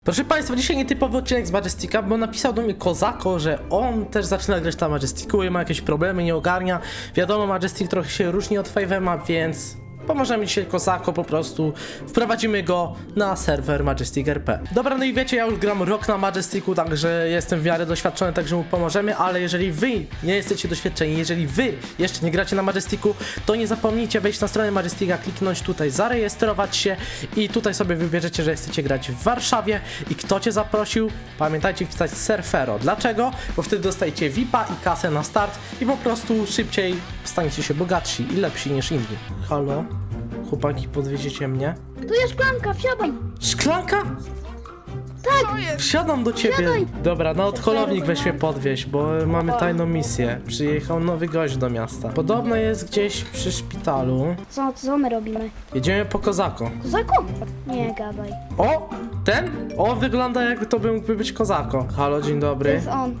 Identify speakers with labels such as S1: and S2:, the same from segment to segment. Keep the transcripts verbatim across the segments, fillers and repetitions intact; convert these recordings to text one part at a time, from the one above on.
S1: Proszę Państwa, dzisiaj nietypowy odcinek z Majestika, bo napisał do mnie Kozako, że on też zaczyna grać na Majestiku i ma jakieś problemy, nie ogarnia. Wiadomo, Majestic trochę się różni od five ema, więc pomożemy dzisiaj Kozako, po prostu wprowadzimy go na serwer Majestic R P. Dobra, no i wiecie, ja już gram rok na Majestiku, także jestem w miarę doświadczony, także mu pomożemy, ale jeżeli wy nie jesteście doświadczeni, jeżeli wy jeszcze nie gracie na Majestiku, to nie zapomnijcie wejść na stronę Majestika, kliknąć tutaj, zarejestrować się i tutaj sobie wybierzecie, że chcecie grać w Warszawie i kto cię zaprosił, pamiętajcie wpisać Surfero. Dlaczego? Bo wtedy dostajecie V I P a i kasę na start i po prostu szybciej staniecie się bogatsi i lepsi niż inni. Halo? Chłopaki, podwieziecie mnie?
S2: Tu jest szklanka, wsiadaj!
S1: Szklanka?
S2: Tak!
S1: Wsiadam do ciebie.
S2: Wsiadaj.
S1: Dobra, no odholownik weź mnie podwieźć, bo mamy tajną misję. Przyjechał nowy gość do miasta. Podobno jest gdzieś przy szpitalu.
S2: Co, co my robimy?
S1: Jedziemy po Kozako.
S2: Kozako? Nie gadaj.
S1: O! Ten? O, wygląda jakby to by mógłby być Kozako. Halo, dzień
S2: To
S1: dobry.
S2: jest on.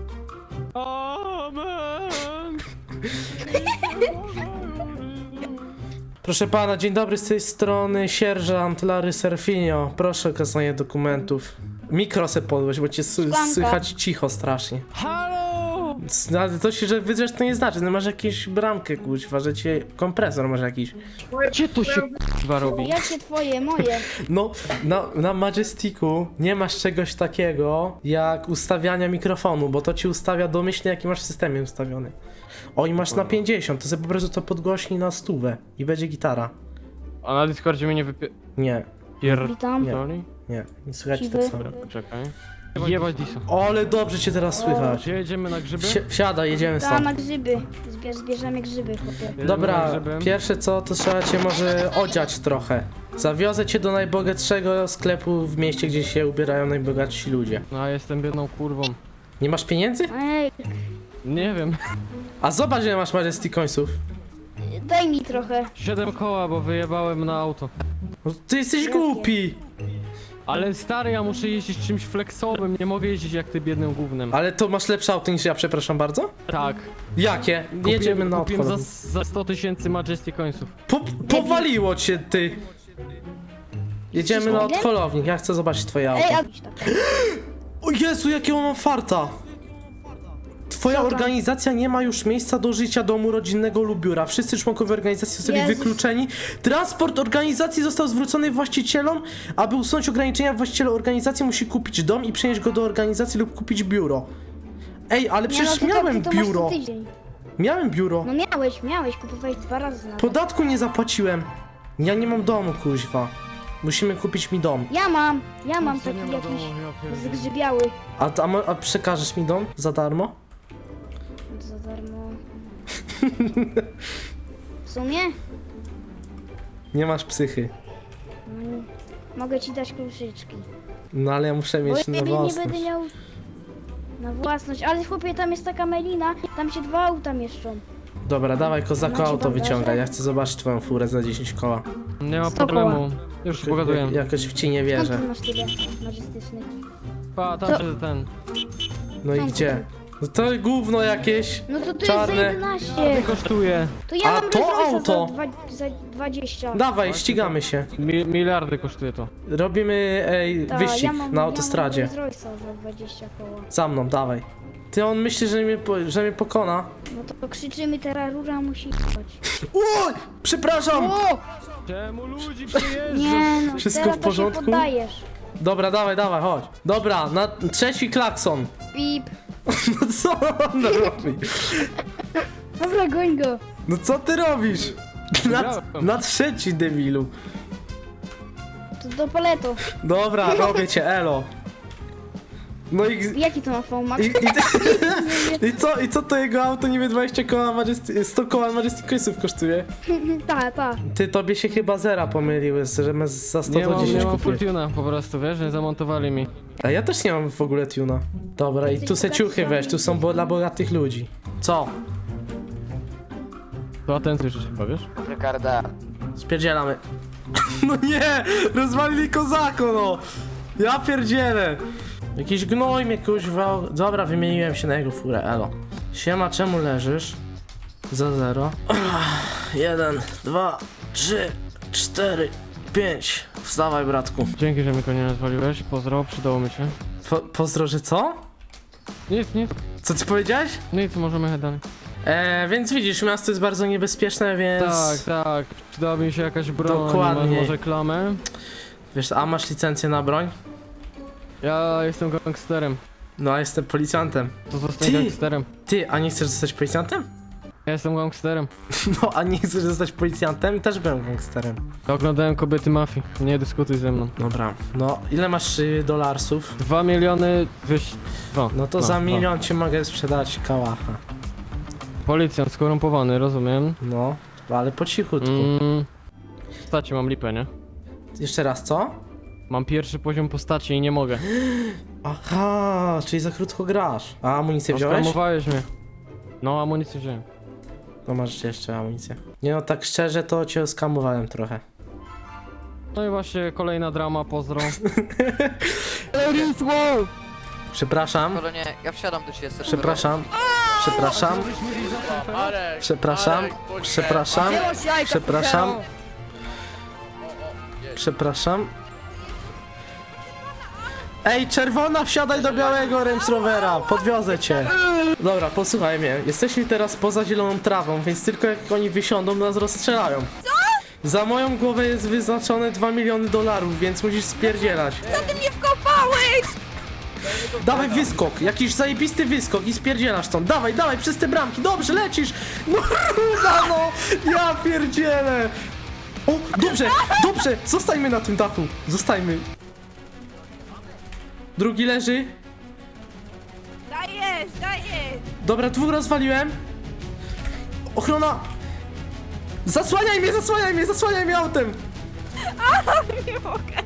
S3: Amen.
S1: Proszę pana, dzień dobry, z tej strony sierżant Larry Serfinio. Proszę o okazanie dokumentów. Mikro se podłoś, bo cię s-
S2: Szklanka.
S1: słychać cicho strasznie.
S3: Halo!
S1: No, ale to się, że wydrzesz, to nie znaczy, no masz jakąś bramkę, kuźwa, że cię kompresor masz jakiś.
S3: Gdzie to się k***wa robi?
S2: Jakie twoje, moje?
S1: No, na, na Majestiku nie masz czegoś takiego jak ustawiania mikrofonu, bo to ci ustawia domyślnie, jaki masz w systemie ustawiony. O, i masz na pięćdziesiąt, to sobie po prostu to podgłośnij na stówę i będzie gitara.
S3: A na Discordzie mnie nie wypie...
S1: Nie,
S2: Witam.
S3: Pierdoli?
S1: nie, nie słychać
S2: Siwy.
S1: tak samo.
S3: Dobra, poczekaj. Jebać Disa.
S1: O, ale dobrze cię teraz słychać.
S3: Gdzie jedziemy na grzyby?
S1: Si- Wsiadaj, jedziemy
S2: Tam
S1: stąd.
S2: na grzyby. Zbierz, zbierzemy grzyby, chłopie.
S3: Jedziemy na
S1: Dobra,
S3: grzyby.
S1: pierwsze co, to trzeba cię może odziać trochę. Zawiozę cię do najbogatszego sklepu w mieście, gdzie się ubierają najbogatsi ludzie.
S3: No, a jestem biedną kurwą.
S1: Nie masz pieniędzy?
S2: Ej,
S3: Nie wiem.
S1: A zobacz, ile masz Majestic końców.
S2: daj mi trochę.
S3: Siedem koła, bo wyjebałem na auto.
S1: No, ty jesteś głupi!
S3: Ale stary, ja muszę jeździć czymś flexowym, nie mogę jeździć jak ty biednym gównem.
S1: Ale to masz lepsze auto niż ja, przepraszam bardzo?
S3: Tak.
S1: Jakie? Jedziemy na
S3: Kupiłem za,
S1: odchód.
S3: za sto tysięcy Majestic końców.
S1: Po, powaliło cię, ty! Jedziemy na
S2: Jesteś
S1: odholownik, ja chcę zobaczyć twoje auto.
S2: Ej, a...
S1: O Jezu, jakiego mam farta! Twoja
S2: Co tam?
S1: organizacja nie ma już miejsca do życia, domu rodzinnego lub biura. Wszyscy członkowie organizacji zostali
S2: Jezus.
S1: wykluczeni. Transport organizacji został zwrócony właścicielom. Aby usunąć ograniczenia, właściciel organizacji musi kupić dom i przenieść go do organizacji lub kupić biuro. Ej, ale
S2: Nie,
S1: przecież
S2: no to
S1: miałem
S2: tak, to masz
S1: biuro.
S2: co tydzień.
S1: Miałem biuro.
S2: No miałeś, miałeś, kupowałeś dwa razy nawet.
S1: Podatku nie zapłaciłem. Ja nie mam domu, kuźwa. Musimy kupić mi dom.
S2: Ja mam, ja mam
S3: Co nie
S2: taki
S3: ma
S2: jakiś
S3: domu, ja pierdolę.
S2: zgrzybiały.
S1: A, a, mo- a przekażesz mi dom za darmo?
S2: Za darmo. W sumie?
S1: Nie masz psychy.
S2: Mm, Mogę ci dać kluczyczki.
S1: No ale ja muszę
S2: Bo
S1: mieć
S2: ja
S1: na
S2: nie, nie
S1: własność.
S2: będę miał na własność, ale chłopie, tam jest taka melina, tam się dwa auta mieszczą.
S1: Dobra, dawaj kozako
S2: Macie
S1: auto
S2: bandaże?
S1: wyciągaj. Ja chcę zobaczyć twoją furę za dziesięć koła.
S3: Nie ma
S2: sto
S3: problemu. Już pogaduję.
S1: Ja- Jakoś w ci nie
S2: Skąd
S1: wierzę.
S2: ty masz tyle majestycznych?
S3: Pa, tam
S2: To-
S3: się ten.
S1: No i
S2: Skąd
S1: gdzie? No to gówno jakieś.
S2: No to tu
S1: Czarne.
S2: jest za jedenaście.
S3: Kosztuje.
S2: To ja
S1: A
S2: mam
S1: to
S2: Rolls Royce'a
S1: auto?
S2: Za, dwa, za dwadzieścia.
S1: Dawaj, ścigamy się.
S3: Mi, miliardy kosztuje to.
S1: Robimy ej,
S2: Ta,
S1: wyścig
S2: ja mam,
S1: na autostradzie.
S2: Ja mam Rolls Royce'a za dwadzieścia koła.
S1: Za mną, dawaj. Ty, on myśli, że mnie, po, że mnie pokona.
S2: No to krzyczymy, teraz rura musi jechać.
S1: Oj! Przepraszam!
S2: O!
S3: Czemu ludzi przyjeżdża?
S2: Nie no,
S1: Wszystko
S2: teraz
S1: w porządku?
S2: To się poddajesz.
S1: Dobra, dawaj, dawaj, chodź. Dobra, na trzeci klakson.
S2: Pip.
S1: No co on robi?
S2: Dobra, goń go.
S1: No co ty robisz? Na,
S3: Wygrałem.
S1: na trzeci, debilu.
S2: To do paleto.
S1: Dobra, robię cię, elo. No i...
S2: Jaki to ma format?
S1: I, i, i, co, I co to jego auto niby dwadzieścia koła Majesty, sto koła Majestic Coinsów kosztuje?
S2: Ta, ta.
S1: Ty, tobie się chyba zera pomyliły, że my za sto
S3: Nie
S1: to
S3: mam, nie
S1: dziesięć
S3: mam
S1: kupię.
S3: Fortuna po prostu, wiesz, nie zamontowali mi.
S1: A ja też nie mam w ogóle tuna. Dobra, i tu se ciuchy weź, tu są bo, dla bogatych ludzi. Co?
S3: To atencję jeszcze powiesz?
S4: Ricarda,
S1: Spierdzielamy. No nie! Rozwalili kozako, no! Ja pierdzielę! Jakiś gnoj mnie kuźwa... Dobra, wymieniłem się na jego furę, elo. Siema, czemu leżysz? Za zero. Jeden, dwa, trzy, cztery, pięć. Wstawaj, bratku.
S3: Dzięki, że mi go nie nazwaliłeś. Pozdro, przydało mi się.
S1: Po, pozdro, że co?
S3: Nic, nic.
S1: Co ty powiedziałeś?
S3: Nic, możemy jechać dalej.
S1: E, więc widzisz, miasto jest bardzo niebezpieczne, więc...
S3: Tak, tak. Przyda mi się jakaś broń.
S1: Dokładnie.
S3: Masz może klamę?
S1: Wiesz, a masz licencję na broń?
S3: Ja jestem gangsterem.
S1: No, a jestem policjantem.
S3: To zostań
S1: Ty!
S3: gangsterem.
S1: Ty, a nie chcesz zostać policjantem?
S3: Ja jestem gangsterem.
S1: No, a nie chcesz zostać policjantem? Też byłem gangsterem.
S3: Ja oglądałem kobiety mafii. Nie dyskutuj ze mną.
S1: Dobra, no, ile masz y, dolarsów?
S3: Dwa miliony wyś... Dwa.
S1: No to
S3: Dwa,
S1: za
S3: dwa.
S1: milion ci mogę sprzedać kałacha.
S3: Policjant skorumpowany, rozumiem.
S1: No, ale po cichutku.
S3: Mm. Postaci mam lipę, nie?
S1: Jeszcze raz, co?
S3: Mam pierwszy poziom postaci i nie mogę.
S1: Aha, czyli za krótko grasz. A amunicję wziąłeś?
S3: Oskamowałeś mnie. No, amunicję wziąłem.
S1: No masz jeszcze amunicję. Nie no, tak szczerze to cię oskamowałem trochę.
S3: No i właśnie kolejna drama, pozdro.
S1: Przepraszam,
S4: Kolonie, ja wsiadam do ciebie serdecznie.
S1: przepraszam, przepraszam,
S4: Marek,
S1: przepraszam,
S4: Marek, bądź
S1: przepraszam, przepraszam, przepraszam. Ej, czerwona, wsiadaj do białego Range Rovera, podwiozę cię. Dobra, posłuchaj mnie, jesteśmy teraz poza zieloną trawą, więc tylko jak oni wysiądą, nas rozstrzelają. Co? Za moją głowę jest wyznaczone dwa miliony dolarów, więc musisz spierdzielać.
S5: Co ty mnie wkopałeś?
S1: Dawaj wyskok, jakiś zajebisty wyskok i spierdzielasz stąd. Dawaj, dawaj, przez te bramki, dobrze, lecisz. No, ruda, no, ja pierdzielę. O, dobrze, dobrze, zostańmy na tym dachu, zostańmy. Drugi leży.
S5: Dajesz, dajesz!
S1: Dobra, dwóch rozwaliłem. Ochrona. Zasłaniaj mnie, zasłaniaj mnie, zasłaniaj mnie autem.
S5: Nie mogę.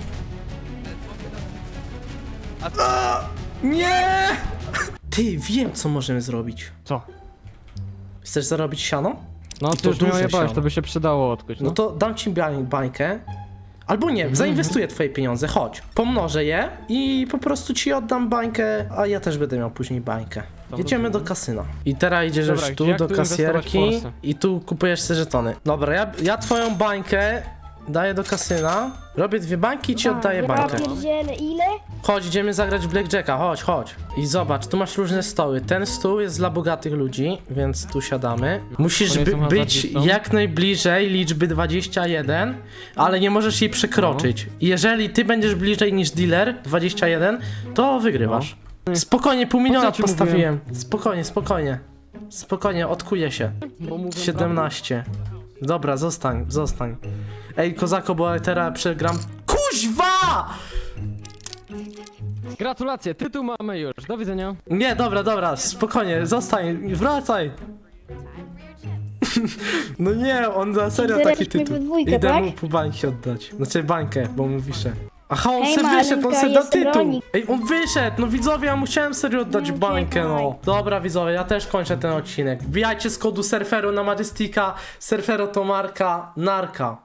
S1: A, nie! Ty, wiem co możemy zrobić.
S3: Co?
S1: Chcesz zarobić siano?
S3: No
S1: I
S3: ty
S1: to
S3: już mnie
S1: duże
S3: ojebałeś,
S1: siano.
S3: to by się przydało odkuć,
S1: No
S3: no.
S1: to dam ci bań- bańkę. Albo nie, zainwestuję twoje pieniądze, chodź. Pomnożę je i po prostu ci oddam bańkę, a ja też będę miał później bańkę. Jedziemy do kasyna. I teraz idziesz
S3: Dobra,
S1: już tu
S3: jak
S1: do
S3: tu inwestować w
S1: kasjerki
S3: Polsce?
S1: i tu kupujesz te żetony. Dobra, ja, ja twoją bańkę daję do kasyna, robię dwie bańki i ci oddaję
S2: Ja
S1: bańkę.
S2: pierdzielę, ile?
S1: Chodź, idziemy zagrać w Blackjacka, chodź, chodź. I zobacz, tu masz różne stoły. Ten stół jest dla bogatych ludzi, więc tu siadamy. Musisz
S3: To nie
S1: by,
S3: są
S1: być
S3: hazardzistą?
S1: jak najbliżej liczby dwadzieścia jeden, ale nie możesz jej przekroczyć. I jeżeli ty będziesz bliżej niż dealer dwadzieścia jeden, to wygrywasz. Spokojnie, pół miliona
S3: ci
S1: postawiłem. Spokojnie, spokojnie. Spokojnie, odkuję się.
S3: Bo mówię
S1: siedemnaście. Dobra, zostań, zostań. Ej, kozako, bo teraz przegram. Kuźwa!
S3: prawdę. Gratulacje, tytuł mamy już, do widzenia.
S1: Nie, dobra, dobra, spokojnie, zostań, wracaj. No nie, on na serio taki
S2: Zeraliśmy
S1: tytuł.
S2: we dwójkę,
S1: Idę
S2: tak?
S1: mu po bańki oddać. Znaczy bańkę, bo mu wiszę. Aha, on
S2: Hej,
S1: se wyszedł, on
S2: Malenka,
S1: se da
S2: jest
S1: tytuł.
S2: bronik.
S1: Ej, on wyszedł, no widzowie, ja musiałem serio oddać
S2: No,
S1: bańkę, no.
S2: uciekaj.
S1: Dobra, widzowie, ja też kończę ten odcinek. Wbijajcie z kodu Surferu na Majestika. Surfero to marka, narka.